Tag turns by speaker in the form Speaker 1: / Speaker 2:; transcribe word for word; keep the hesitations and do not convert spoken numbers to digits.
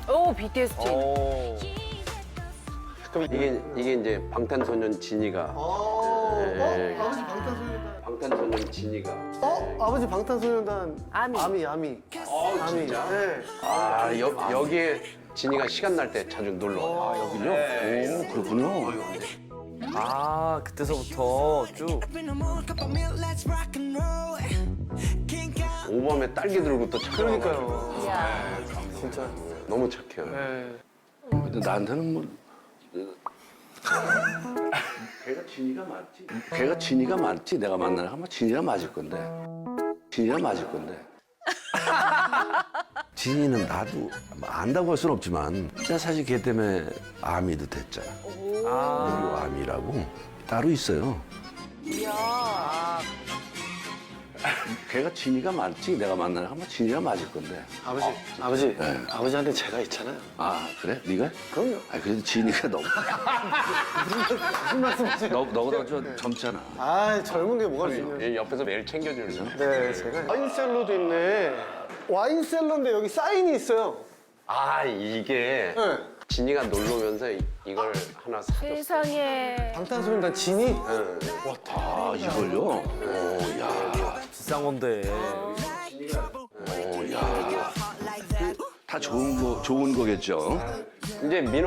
Speaker 1: 오, 비티에스 진.
Speaker 2: 오.
Speaker 3: 그럼 이게 이게 이제 방탄소년 진이가
Speaker 4: 어,
Speaker 3: 네.
Speaker 4: 어? 아버지 방탄소년단.
Speaker 3: 방탄소년 진이가
Speaker 4: 어? 아버지 방탄소년단.
Speaker 1: 아미.
Speaker 4: 아미, 아미.
Speaker 3: 어
Speaker 4: 아미.
Speaker 3: 진짜?
Speaker 4: 네.
Speaker 3: 아 여, 여기에 진이가 시간 날 때 자주 놀러 와.
Speaker 2: 아, 여기요? 오, 그렇군요. 아, 그때서부터 쭉.
Speaker 3: 오밤에 딸기 들고 또 찾아와.
Speaker 4: 그러니까요.
Speaker 1: 이야.
Speaker 4: 진짜.
Speaker 3: 너무 착해요.
Speaker 4: 네.
Speaker 5: 근데 나한테는 뭐 걔가 진이가 맞지. 걔가 진이가 맞지. 내가 만나는 아마 진이가 맞을 건데. 진이가 맞을 건데. 진이는 나도 뭐 안다고 할 수는 없지만 진짜 사실 걔 때문에 아미도 됐잖아.
Speaker 2: 아.
Speaker 5: 아미라고 따로 있어요.
Speaker 1: 이야.
Speaker 5: 걔가 진이가 맞지. 내가 만나는 아마 진이가 맞을 건데.
Speaker 4: 아버지, 아버지.
Speaker 5: 네.
Speaker 4: 아버지한테 제가 있잖아요.
Speaker 5: 아 그래? 네가?
Speaker 4: 그럼요.
Speaker 5: 아 그래도 진이가 너무
Speaker 4: 무슨 말씀이세요?
Speaker 5: 너 너보다 좀 젊잖아.
Speaker 4: 아, 젊은 게 뭐가 중요해요.
Speaker 3: 얘 옆에서 매일 챙겨주는.
Speaker 4: 네, 제가. 와인셀러도 있네. 와인셀러인데 여기 사인이 있어요.
Speaker 3: 아 이게
Speaker 4: 네.
Speaker 3: 진이가 놀러 오면서 이- 이걸 하나 사줬어.
Speaker 1: 세상에.
Speaker 4: 방탄소년단 진이?
Speaker 3: 응.
Speaker 5: 아 이걸요? 오, 야,
Speaker 2: 비싼 건데.
Speaker 5: 오, 야. 다 좋은 거 좋은 거겠죠.
Speaker 3: 이제 민호